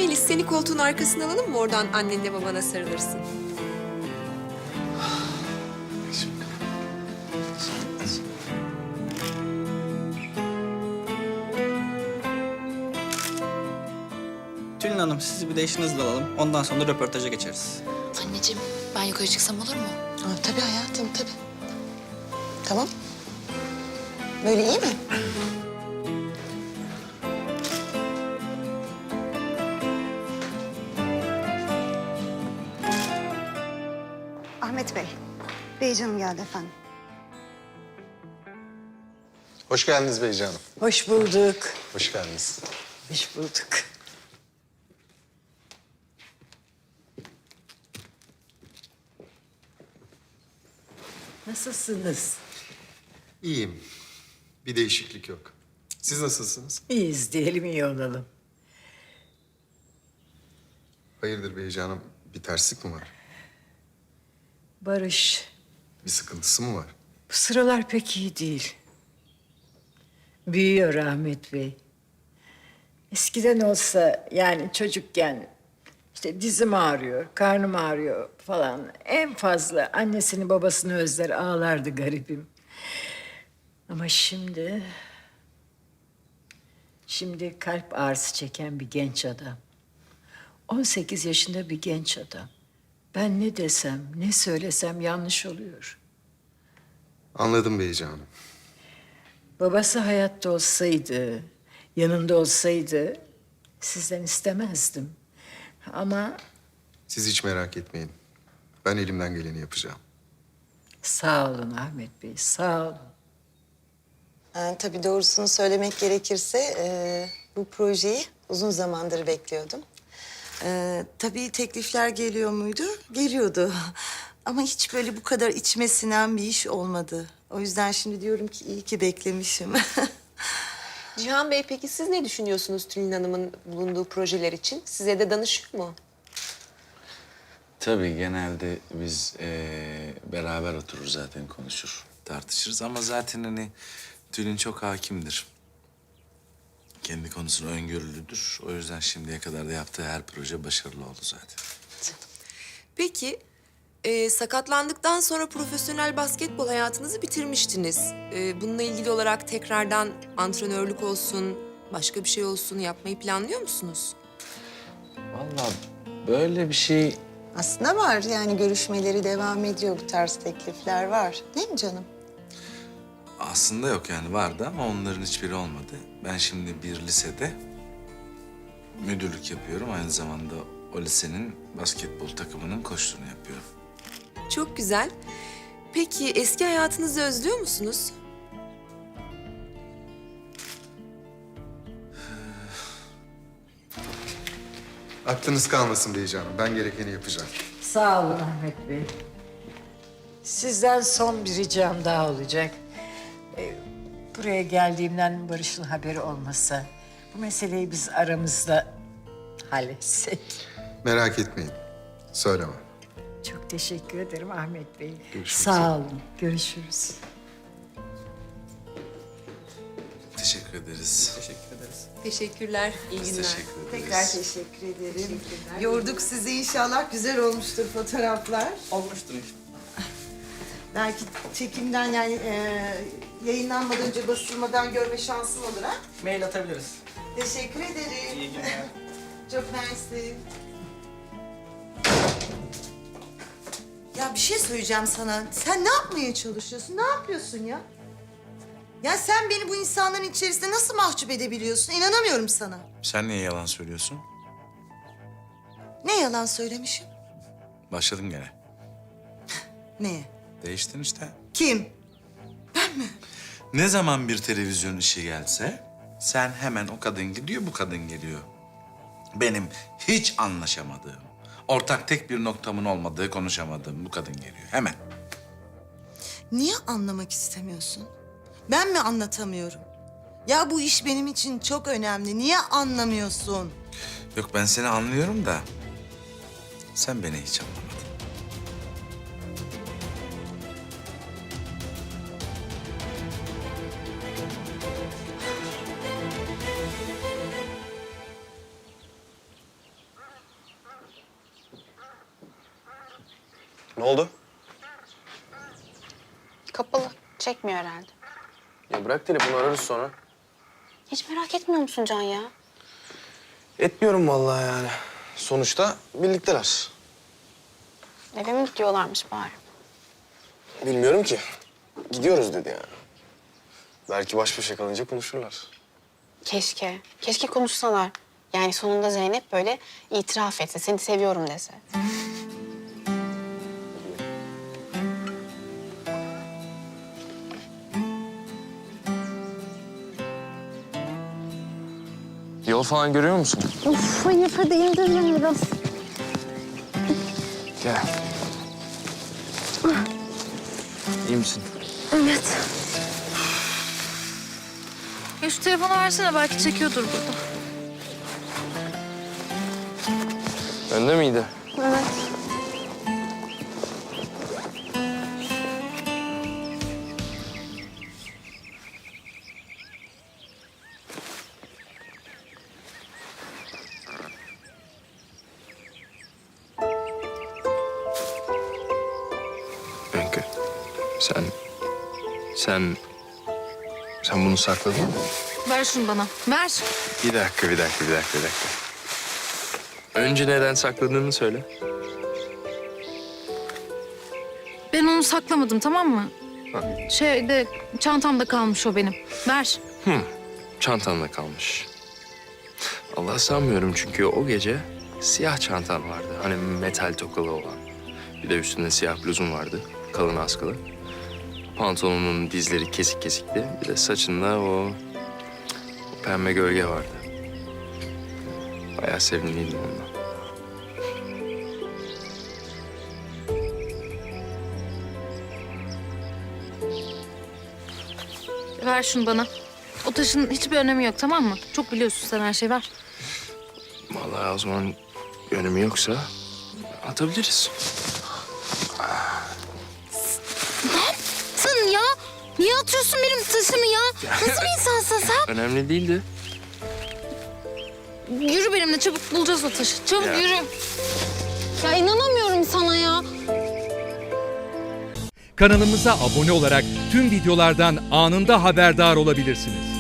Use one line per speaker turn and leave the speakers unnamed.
Melis seni koltuğun arkasına alalım mı? Oradan annenle babana sarılırsın.
Tülin Hanım sizi bir de eşinizle alalım. Ondan sonra röportaja geçeriz.
Anneciğim ben yukarı çıksam olur mu?
Tabii hayatım, tabii. Tamam. Böyle iyi mi?
Ahmet Bey, Beycanım geldi efendim.
Hoş geldiniz Beyci Hanım.
Hoş bulduk.
Hoş geldiniz.
Hoş bulduk. Nasılsınız?
İyiyim. Bir değişiklik yok. Siz nasılsınız?
İyiyiz diyelim, iyi olalım.
Hayırdır Beyci Hanım? Bir terslik mi var?
Barış,
Bir sıkıntısı mı var?
bu sıralar pek iyi değil. Büyüyor Ahmet Bey. Eskiden olsa yani çocukken işte dizim ağrıyor, karnım ağrıyor falan. En fazla annesini babasını özler ağlardı garibim. Ama şimdi kalp ağrısı çeken bir genç adam. 18 yaşında bir genç adam. Ben ne desem, ne söylesem yanlış oluyor.
Anladım Beyci Hanım.
Babası hayatta olsaydı, yanında olsaydı sizden istemezdim. Ama
Siz hiç merak etmeyin. Ben elimden geleni yapacağım.
sağ olun Ahmet Bey, sağ olun.
Tabii doğrusunu söylemek gerekirse bu projeyi uzun zamandır bekliyordum. Tabii teklifler geliyor muydu? Geliyordu. Ama hiç böyle bu kadar içime sinen bir iş olmadı. O yüzden şimdi diyorum ki iyi ki beklemişim.
Cihan Bey peki siz ne düşünüyorsunuz Tülin Hanım'ın bulunduğu projeler için? Size de danışıyor mu?
Tabii genelde biz beraber oturur zaten konuşur, tartışırız ama zaten hani Tülin çok hakimdir. Kendi konusunda öngörülüdür. O yüzden şimdiye kadar da yaptığı her proje başarılı oldu zaten.
Peki sakatlandıktan sonra profesyonel basketbol hayatınızı bitirmiştiniz. Bununla ilgili olarak tekrardan antrenörlük olsun, başka bir şey olsun yapmayı planlıyor musunuz?
Vallahi böyle bir şey
Aslında var yani görüşmeleri devam ediyor, bu tarz teklifler var. Değil mi canım?
aslında yok yani vardı ama onların hiçbiri olmadı. Ben şimdi bir lisede müdürlük yapıyorum. Aynı zamanda o lisenin basketbol takımının koçluğunu yapıyorum.
Çok güzel. Peki eski hayatınızı özlüyor musunuz?
Aklınız kalmasın Beyci Hanım. Ben gerekeni yapacağım.
Sağ olun Ahmet Bey. Sizden son bir ricam daha olacak. Buraya geldiğimden Barış'ın haberi olmasa... ...bu meseleyi biz aramızda halletsek.
Merak etmeyin. Söylemem.
Çok teşekkür ederim Ahmet Bey.
Görüşmek
Sağ olun. Görüşürüz.
Teşekkür ederiz.
Teşekkür ederiz.
Teşekkürler, iyi
Biz
günler.
teşekkür ederiz.
Tekrar teşekkür ederim. Yorduk sizi inşallah. Güzel olmuştur fotoğraflar.
Olmuştur inşallah.
Belki çekimden yani yayınlanmadan önce basılmadan görme şansım olur ha.
Mail atabiliriz.
Teşekkür ederim.
İyi günler.
Çok mersi. Ya bir şey söyleyeceğim sana. Sen ne yapmaya çalışıyorsun? Ne yapıyorsun ya? Ya sen beni bu insanların içerisinde nasıl mahcup edebiliyorsun? İnanamıyorum sana.
Sen niye yalan söylüyorsun?
Ne yalan söylemişim?
Başladım gene.
Neye?
Değiştin işte.
Kim?
Ne zaman bir televizyon işi gelse sen hemen o kadın gidiyor, bu kadın geliyor. Benim hiç anlaşamadığım, ortak tek bir noktamın olmadığı, konuşamadığım bu kadın geliyor hemen.
Niye anlamak istemiyorsun? Ben mi anlatamıyorum? Ya bu iş benim için çok önemli. Niye anlamıyorsun?
Yok ben seni anlıyorum da sen beni hiç anlamadın.
Ne oldu?
Kapalı. Çekmiyor herhalde.
Ya bırak telefonu, ararız sonra.
Hiç merak etmiyor musun Can ya?
Etmiyorum vallahi yani. Sonuçta birlikteler.
Eve mi gidiyorlarmış bari?
Bilmiyorum ki. Gidiyoruz dedi yani. Belki baş başa kalınca konuşurlar.
Keşke. Keşke konuşsalar. Yani sonunda Zeynep böyle itiraf etse, seni seviyorum dese.
Yol falan görüyor musun?
Of hayır hadi indir biraz.
Gel. İyi misin?
Evet.
Ya şu telefonu versene belki çekiyordur burada.
Önde miydi?
Evet.
Öykü. Sen bunu sakladın mı?
Ver şunu bana. Ver.
Bir dakika. Önce neden sakladığını söyle.
Ben onu saklamadım tamam mı? Şeyde çantamda kalmış o benim. Ver.
Çantanda kalmış. Allah sanmıyorum çünkü o gece siyah çantan vardı. Hani metal tokalı olan. Bir de üstünde siyah bluzun vardı. Kalın askılı. Pantolonun dizleri kesik kesikti. Bir de saçında o pembe gölge vardı. Bayağı sevimliydim ondan.
Ver şunu bana. O taşın hiçbir önemi yok tamam mı? Çok biliyorsun sen her şeyi ver.
Vallahi o zaman önemi yoksa atabiliriz.
Sen ya. Niye atıyorsun benim taşımı ya? Nasıl bir insansın sen?
Önemli değildi.
Yürü benimle çabuk bulacağız o taşı. Çabuk
Ya.
yürü.
Ya inanamıyorum sana ya.
Kanalımıza abone olarak tüm videolardan anında haberdar olabilirsiniz.